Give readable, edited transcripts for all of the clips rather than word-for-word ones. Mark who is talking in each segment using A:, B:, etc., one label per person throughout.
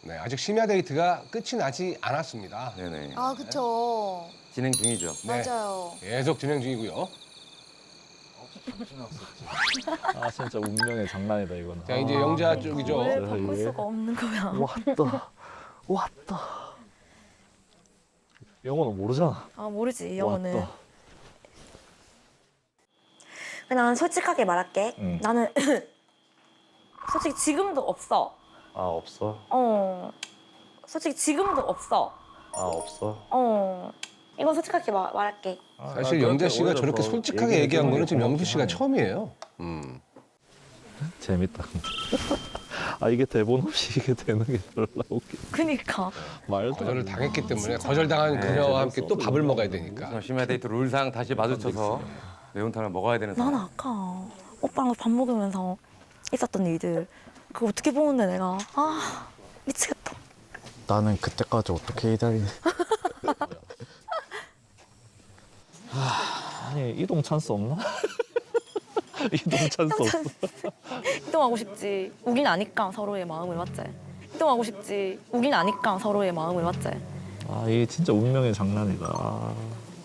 A: 네, 아직 심야 데이트가 끝이 나지 않았습니다.
B: 네네.
C: 아, 그쵸.
B: 진행 중이죠.
A: 네,
C: 맞아요.
A: 계속 진행 중이고요.
D: 아 진짜 운명의 장난이다 이거는.
A: 자, 이제 영자 쪽이죠.
E: 왜
D: 어,
E: 바꿀
D: 예.
E: 수가 없는 거야?
D: 왔다. 영어는 모르잖아.
E: 아 모르지 영어는.
D: 왔다.
E: 난 솔직하게 말할게.
D: 응.
E: 나는 솔직히 지금도 없어.
D: 아 없어.
E: 솔직히 지금도 없어.
D: 아 없어.
E: 이건 솔직하게 말할게.
A: 사실 영자 씨가 저렇게 솔직하게 얘기한 거는 지금 영수 씨가 처음이에요.
D: 재밌다. 아 이게 대본 없이 이게 되는 게 별로 웃기.
E: 그니까.
D: 말도
A: 거절을 당했기 때문에 거절당한 그녀와 함께 또 밥을 먹어야 되니까.
B: 심야 데이트 룰상 다시 마주쳐서 매운탕을 먹어야 되는
E: 난
B: 상황.
E: 아까 오빠랑 밥 먹으면서 있었던 일들 그거 어떻게 보는데 내가 미치겠다.
F: 나는 그때까지 어떻게 기다리니?
D: 아니 이동 찬스 없나? 이동 찬스 없어.
E: 이동하고 싶지. 우긴 아니까 서로의 마음을 맞지. 이동하고 싶지. 우긴 아니까 서로의 마음을 맞지.
D: 아 이게 진짜 운명의 장난이다.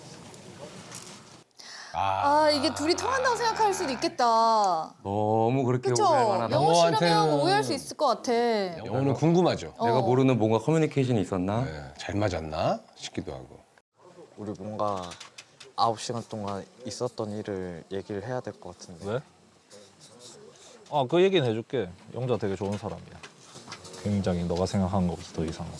C: 아, 이게 둘이 통한다고 생각할 수도 있겠다.
B: 너무 그렇게
C: 그쵸?
B: 오해할 만하다.
C: 영호 씨라면
A: 영호한테는-
C: 오해할 수 있을 것 같아.
A: 영호는 궁금하죠.
B: 내가 모르는 뭔가 커뮤니케이션이 있었나?
A: 네, 잘 맞았나 싶기도 하고.
F: 우리 뭔가 9시간 동안 있었던 일을 얘기를 해야 될 것 같은데.
D: 왜? 아 그 얘기는 해줄게. 영자 되게 좋은 사람이야. 굉장히 너가 생각하는 것보다 더 이상하고.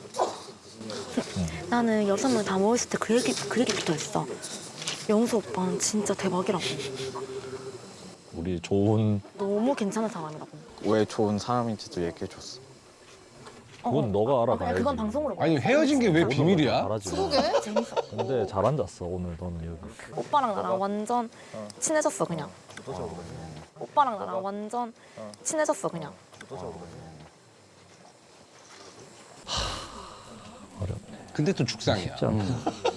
E: 나는 6명 다 모였을 때 그 얘기부터 했어. 영수 오빠는 진짜 대박이라고.
D: 우리 좋은
E: 너무 괜찮은 사람이라고.
F: 왜 좋은 사람인지도 얘기해줬어.
D: 그건 너가 알아가야지.
E: 그건 방송으로
A: 아니 헤어진 게 왜 비밀이야?
D: 잘하지.
C: 그러게.
E: 재밌어.
D: 근데 잘 앉았어 오늘 너는 여기.
E: 오빠랑 나랑 완전 친해졌어 그냥. 오빠랑 나랑 완전 친해졌어 그냥.
D: 어렵네.
A: 근데 또 죽상이야.
D: 쉽지 않다.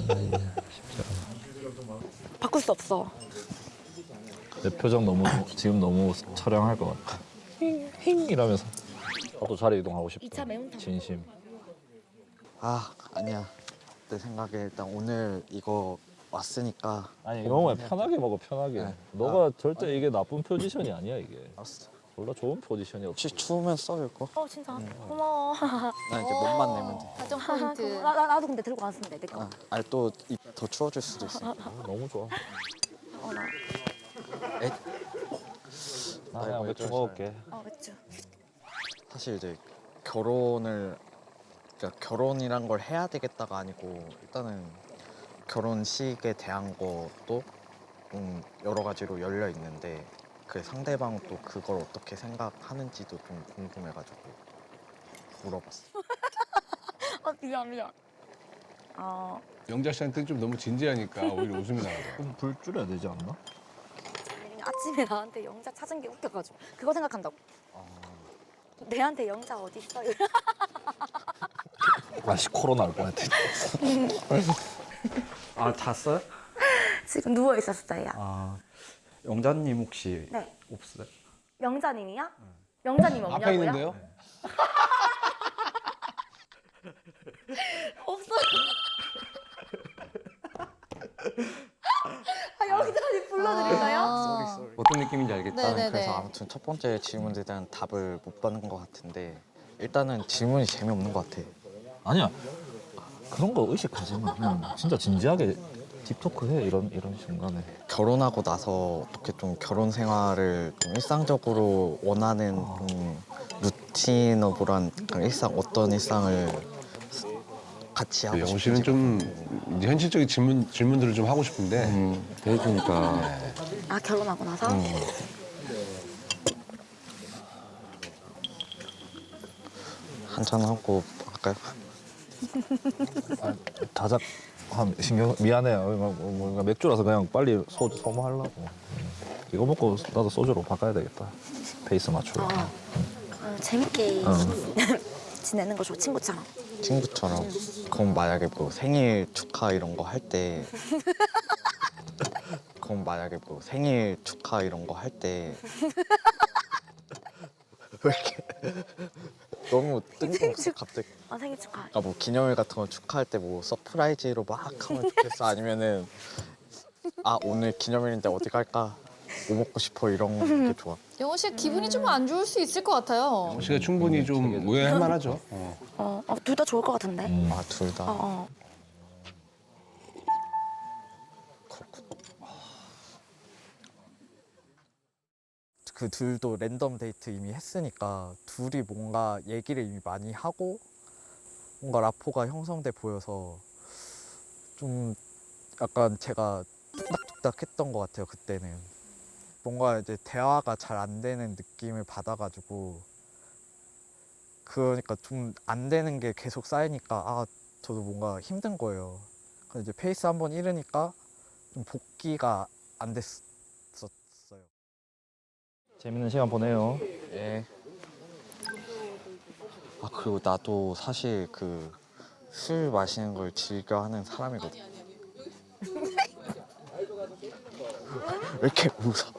E: 바꿀 수 없어.
D: 내 표정 너무 지금 너무 촬영할 것 같아. 힝 이러면서. 나도 자리 이동하고 싶다.
E: 2차 매운탕.
D: 진심.
F: 아 아니야. 내 생각에 일단 오늘 이거 왔으니까.
D: 아니 영호야 편하게 먹어 편하게.
F: 네.
D: 너가 절대 이게 나쁜 포지션이 아니야 이게.
F: 알았어.
D: 몰라 좋은 포지션이었어.
F: 혹시 추우면 써 이거?
E: 진짜 고마워.
F: 나 이제 몸만 내면 돼.
C: 가정 포인트.
E: 나도 근데 들고 왔으면 돼. 내 거.
F: 아니 또 더 추워질 수도 있어.
D: 너무 좋아.
E: 나.
F: 에?
D: 나 그냥 맥주 먹을게.
E: 맥주.
F: 사실 이제 결혼을 그러니까 결혼이란 걸 해야 되겠다가 아니고 일단은 결혼식에 대한 것도 좀 여러 가지로 열려 있는데 그 상대방 또 그걸 어떻게 생각하는지도 좀 궁금해가지고 물어봤어.
E: 미안.
A: 영자 씨한테 좀 너무 진지하니까 오히려 웃음이 나더라고.
D: 그럼 불 줄여야 되지 않나?
E: 아침에 나한테 영자 찾은 게 웃겨가지고 그거 생각한다고. 내한테 영자 어디 있어?
D: 아씨 코로나 올 뻔했대.
G: 아, 잤어요?
E: 지금 누워 있었어요.
G: 아, 영자님 혹시
E: 네.
G: 없어요?
E: 영자님이야? 영자님 없냐고요?
A: 앞에 있는데요?
E: 없어요. 영자님 불러드릴까요?
B: 어떤 느낌인지 알겠다.
C: 네네네.
F: 그래서 아무튼 첫 번째 질문에 대한 답을 못 받는 것 같은데 일단은 질문이 재미없는 것 같아.
D: 아니야. 그런 거 의식하지 마. 그냥 진짜 진지하게 딥토크 해 이런 순간에.
F: 결혼하고 나서 어떻게 좀 결혼 생활을 좀 일상적으로 원하는 좀 루틴어블한 그런 일상 어떤 일상을 같이 하고
A: 영호
F: 싶은지
A: 씨는 좀 이제 현실적인 질문들을 좀 하고 싶은데
B: 해주니까.
E: 결혼하고 나서?
F: 한잔 하고 할까요?
D: 다작 신경 미안해요. 뭔가 맥주라서 그냥 빨리 소모하려고. 이거 먹고 나도 소주로 바꿔야 되겠다. 페이스 맞추려.
E: 재밌게 지내는 거 좋아, 친구처럼.
F: 친구처럼. 그럼 만약에 뭐 생일 축하 이런 거 할 때 그럼 만약에 뭐 생일 축하 이런 거 할 때 왜 이렇게 너무 뜬금없어 갑자기.
E: 아 생일 축하해.
F: 그러니까 뭐 기념일 같은 거 축하할 때 뭐 서프라이즈로 막 하면 좋겠어 아니면은 아 오늘 기념일인데 어디 갈까? 뭐 먹고 싶어 이런 게 좋아.
C: 영호 씨 기분이 좀 안 좋을 수 있을 것 같아요.
A: 영호 씨가 충분히 좀 오해할 만하죠.
E: 둘 다 좋을 것 같은데.
F: 아 둘 다.
E: 어.
F: 그 둘도 랜덤 데이트 이미 했으니까 둘이 뭔가 얘기를 이미 많이 하고 뭔가 라포가 형성돼 보여서 좀 약간 제가 뚝딱뚝딱 했던 것 같아요 그때는. 뭔가 이제 대화가 잘 안 되는 느낌을 받아가지고 그러니까 좀 안 되는 게 계속 쌓이니까 아 저도 뭔가 힘든 거예요. 그래서 이제 페이스 한번 잃으니까 좀 복귀가 안 됐었어요.
D: 재밌는 시간 보내요.
F: 예. 아 그리고 나도 사실 그 술 마시는 걸 즐겨 하는 사람이거든. 왜 이렇게 웃어?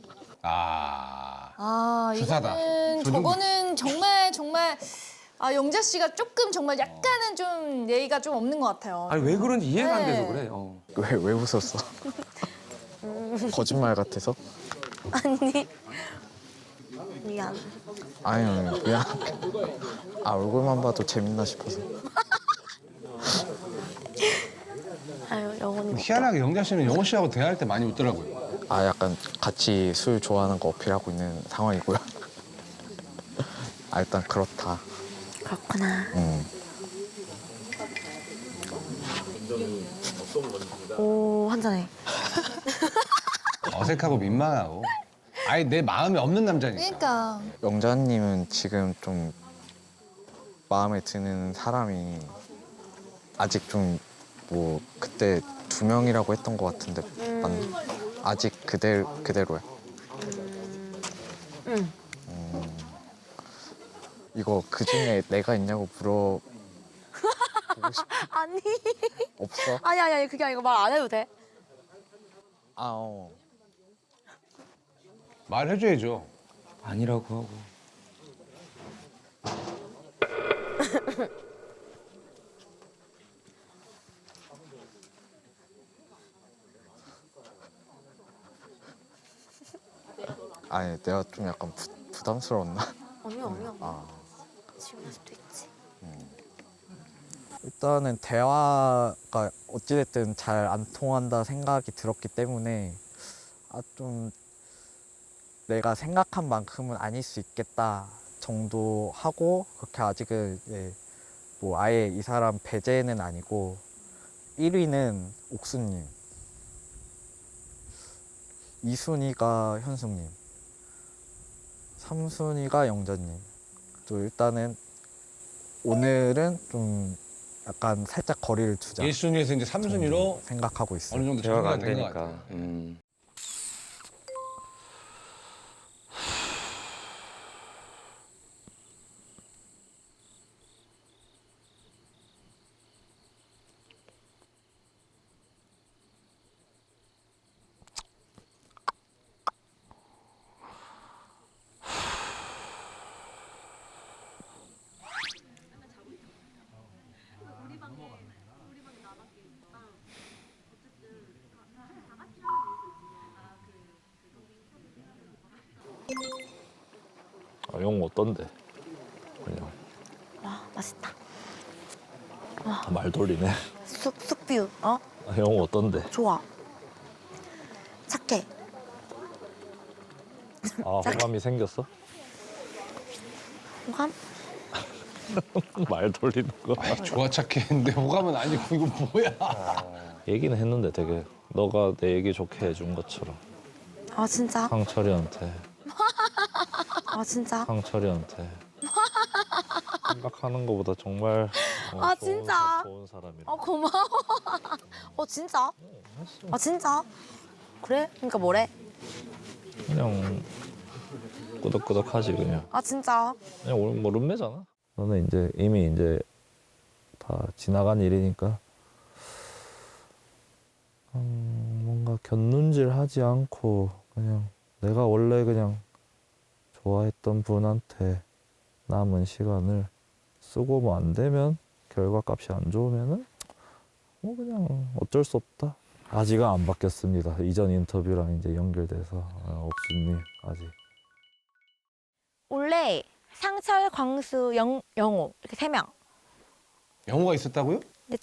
C: 아,
A: 주사다.
C: 이거는 저거는 정말 영자 씨가 조금 정말 약간은 좀 예의가 좀 없는 것 같아요.
B: 아니 왜 그런지 이해가 안
C: 네.
B: 돼서 그래.
F: 왜 웃었어? 거짓말 같아서?
E: 아니. 미안.
F: 아니 미안. 아 얼굴만 봐도 재밌나 싶어서.
E: 아유 영혼이.
A: 희한하게 영자 씨는 영호 씨하고 대화할 때 많이 웃더라고요.
F: 아 약간 같이 술 좋아하는 거 어필하고 있는 상황이고요. 아 일단 그렇다.
E: 그렇구나.
F: 음.
E: 오 한잔해.
A: 어색하고 민망하고. 아예 내 마음에 없는 남자니까.
C: 그러니까
F: 영자님은 지금 좀 마음에 드는 사람이 아직 좀 뭐 그때 2명이라고 했던 것 같은데 아직 그대로야.
E: 응.
F: 이거 그 중에 내가 있냐고 물어보고 싶어?
E: 아니.
F: 없어?
E: 아니 그게 아니고 말 안 해도 돼.
F: 아 어.
A: 말해줘야죠.
B: 아니라고 하고.
F: 아니 내가 좀 약간 부담스러웠나?
E: 아니야.
F: 아.
E: 지금일 수도 있지.
F: 일단은 대화가 어찌됐든 잘 안 통한다 생각이 들었기 때문에 아 좀 내가 생각한 만큼은 아닐 수 있겠다 정도 하고 그렇게 아직은 뭐 아예 이 사람 배제는 아니고 1위는 옥수님, 2순위가 현숙님, 3순위가 영자님. 또 일단은 오늘은 좀 약간 살짝 거리를 두자
A: 1순위에서 이제 3순위로
F: 생각하고 있어요.
A: 어느 정도
B: 대화가
A: 정리가
B: 안
A: 된 것
B: 되니까.
A: 같아요.
D: 아, 영호 어떤데? 그냥
E: 와 맛있다.
D: 말 돌리네.
E: 쑥뷰. 어?
D: 아, 영호 어떤데?
E: 좋아. 착해.
D: 아 호감이 생겼어?
E: 호감?
D: 말 돌리는 거.
A: 아이, 좋아 착해 했는데 호감은 아니고 이거 뭐야?
D: 얘기는 했는데 되게 너가 내 얘기 좋게 해준 것처럼
E: 아 진짜?
D: 상철이한테
E: 아 진짜?
D: 상철이한테 생각하는 것보다 정말
E: 아, 진짜?
D: 좋은 사람이라.
E: 아 고마워. 진짜? 아 진짜? 그래? 그러니까 뭐래?
D: 그냥 끄덕끄덕하지 그냥.
E: 아 진짜?
D: 그냥 우리 뭐 룸메잖아. 너는 이제 이미 이제 다 지나간 일이니까 뭔가 곁눈질하지 않고 그냥 내가 원래 그냥 좋아했던 분한테 남은 시간을 쓰고 뭐 안 되면 결과값이 안 좋으면은 뭐 그냥 어쩔 수 없다. 아직은 안 바뀌었습니다. 이전 인터뷰랑 이제 연결돼서 옥수님 아직.
E: 원래 상철, 광수, 영호 이렇게 3명.
A: 영호가 있었다고요?
E: 근데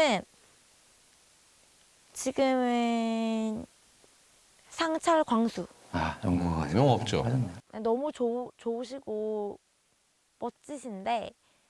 E: 지금은 상철, 광수.
B: 아, 영광가
A: 영호 없죠.
E: 너무 좋으시고 멋지신데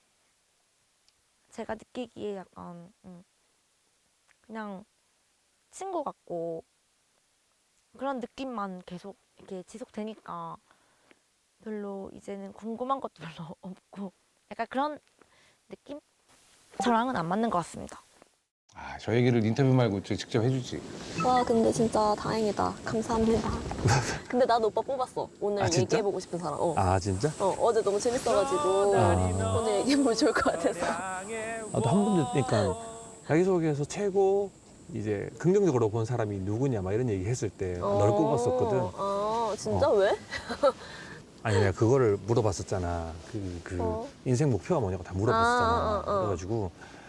E: 제가 느끼기에 약간 그냥 친구 같고 그런 느낌만 계속 이렇게 지속되니까 별로 이제는 궁금한 것도 별로 없고 약간 그런 느낌? 저랑은 안 맞는 것 같습니다.
A: 아, 저 얘기를 인터뷰 말고 직접 해주지.
H: 와 근데 진짜 다행이다. 감사합니다. 근데 나도 오빠 뽑았어. 오늘
I: 아, 진짜?
H: 얘기해보고 싶은 사람.
I: 아 진짜?
H: 어제 너무 재밌어가지고 오늘 얘기해보면 좋을 것 같아서.
I: 나도 한 번 듣니까 자기소개에서 최고 이제 긍정적으로 본 사람이 누구냐 막 이런 얘기 했을 때 널 꼽았었거든.
H: 아 진짜 왜?
I: 아니 내가 그거를 물어봤었잖아. 인생 목표가 뭐냐고 다 물어봤었잖아. 그래가지고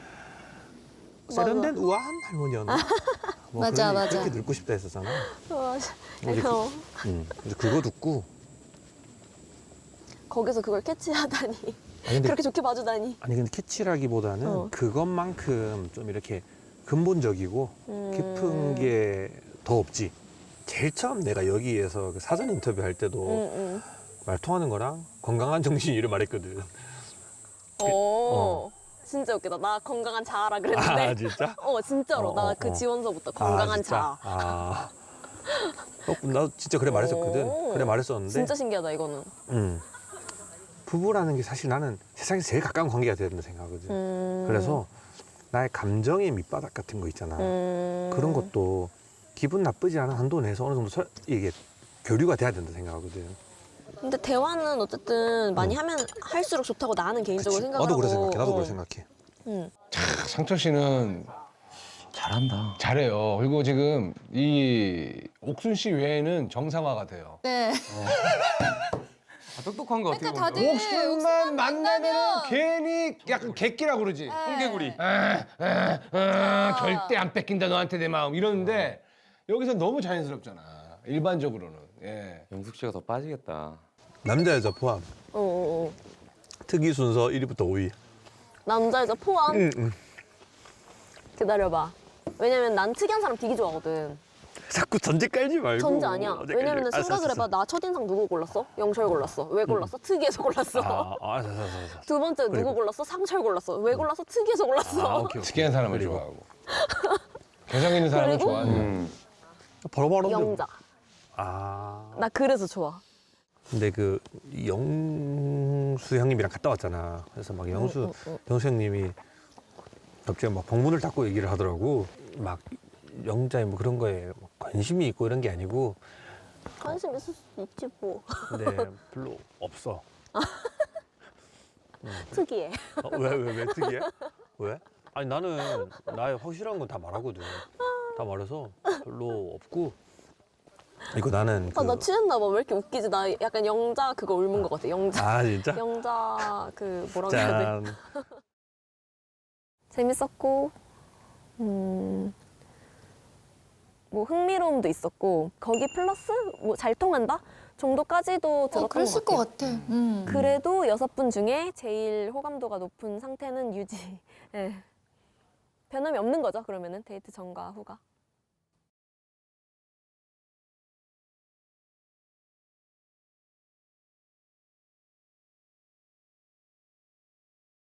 I: 세련된 우아한 할머니였나? 뭐
C: 맞아,
I: 그런,
C: 맞아.
I: 그렇게 늙고 싶다 했었잖아.
H: 맞아.
I: 근데 그래서 그거 듣고
H: 거기서 그걸 캐치하다니.
I: 아니 근데,
H: 그렇게 좋게 봐주다니.
I: 아니 근데 캐치라기보다는 그것만큼 좀 이렇게 근본적이고 깊은 게 더 없지. 제일 처음 내가 여기에서 그 사전 인터뷰 할 때도 말 통하는 거랑 건강한 정신이를 말했거든.
H: 진짜 웃기다. 나 건강한 자아라 그랬는데.
I: 아 진짜?
H: 진짜로. 나 그 지원서부터 건강한
I: 진짜?
H: 자아.
I: 나도 진짜 그래 말했었거든. 그래 말했었는데.
H: 진짜 신기하다 이거는.
I: 부부라는 게 사실 나는 세상에서 제일 가까운 관계가 돼야 된다 생각하거든. 그래서 나의 감정의 밑바닥 같은 거 있잖아. 그런 것도 기분 나쁘지 않은 한도 내에서 어느 정도 이게 교류가 돼야 된다 생각하거든.
H: 근데 대화는 어쨌든 많이 하면 할수록 좋다고 나는 개인적으로
I: 그치?
H: 생각하고.
I: 나도 그래 생각해. 나도 그래 생각해.
A: 상철 씨는
B: 잘한다.
A: 잘해요. 그리고 지금 이 옥순 씨 외에는 정상화가 돼요.
C: 네.
B: 아, 똑똑한 거 어떻게
C: 그러니까
B: 보면.
C: 다들
A: 옥순만 만나면은
C: 만나면
A: 괜히 약간 객기라 그러지.
B: 홍개구리.
A: 절대 안 뺏긴다 너한테 내 마음 이러는데 여기서 너무 자연스럽잖아. 일반적으로는. 예.
B: 영숙 씨가 더 빠지겠다.
I: 남자 여자 포함.
H: 어.
I: 특이 순서 1위부터 5위.
H: 남자 여자 포함.
I: 응.
H: 기다려봐. 왜냐면 난 특이한 사람 되게 좋아하거든.
I: 자꾸 전제 깔지 말고.
H: 전제 아니야.
I: 전제
H: 왜냐면
I: 깔지.
H: 생각을 해봐. 나 첫인상 누구 골랐어? 영철 골랐어. 왜 골랐어? 특이해서 골랐어.
I: 알았어.
H: 두 번째 누구
I: 그리고?
H: 골랐어? 상철 골랐어. 왜 골랐어? 특이해서 골랐어.
I: 오케이.
A: 특이한 사람을
I: 그리고?
A: 좋아하고. 개성 있는 사람을
H: 그리고?
A: 좋아하는.
I: 바로
H: 영자. 나 그래서 좋아.
I: 근데 그 영수 형님이랑 갔다 왔잖아. 그래서 막 영수 형님이 갑자기 막 방문을 닫고 얘기를 하더라고. 막 영자의 뭐 그런 거에 뭐 관심이 있고 이런 게 아니고.
H: 관심 있을 수 있지 뭐.
I: 근데 별로 없어.
H: 특이해.
I: 왜 특이해? 왜? 아니 나는 나의 확실한 건 다 말하거든. 다 말해서 별로 없고. 이거 나는
H: 나 취했나 봐. 왜 이렇게 웃기지? 나 약간 영자 그거 옮은 것 같아. 영자.
I: 아 진짜?
H: 영자 그 뭐라고 해야 돼?
I: 짠.
H: 재밌었고 뭐 흥미로움도 있었고 거기 플러스 뭐 잘 통한다 정도까지도 들었던
C: 그랬을
H: 것
C: 것
H: 같아요.
C: 같아.
H: 그래도 6분 중에 제일 호감도가 높은 상태는 유지. 예. 변함이 없는 거죠. 그러면은 데이트 전과 후가.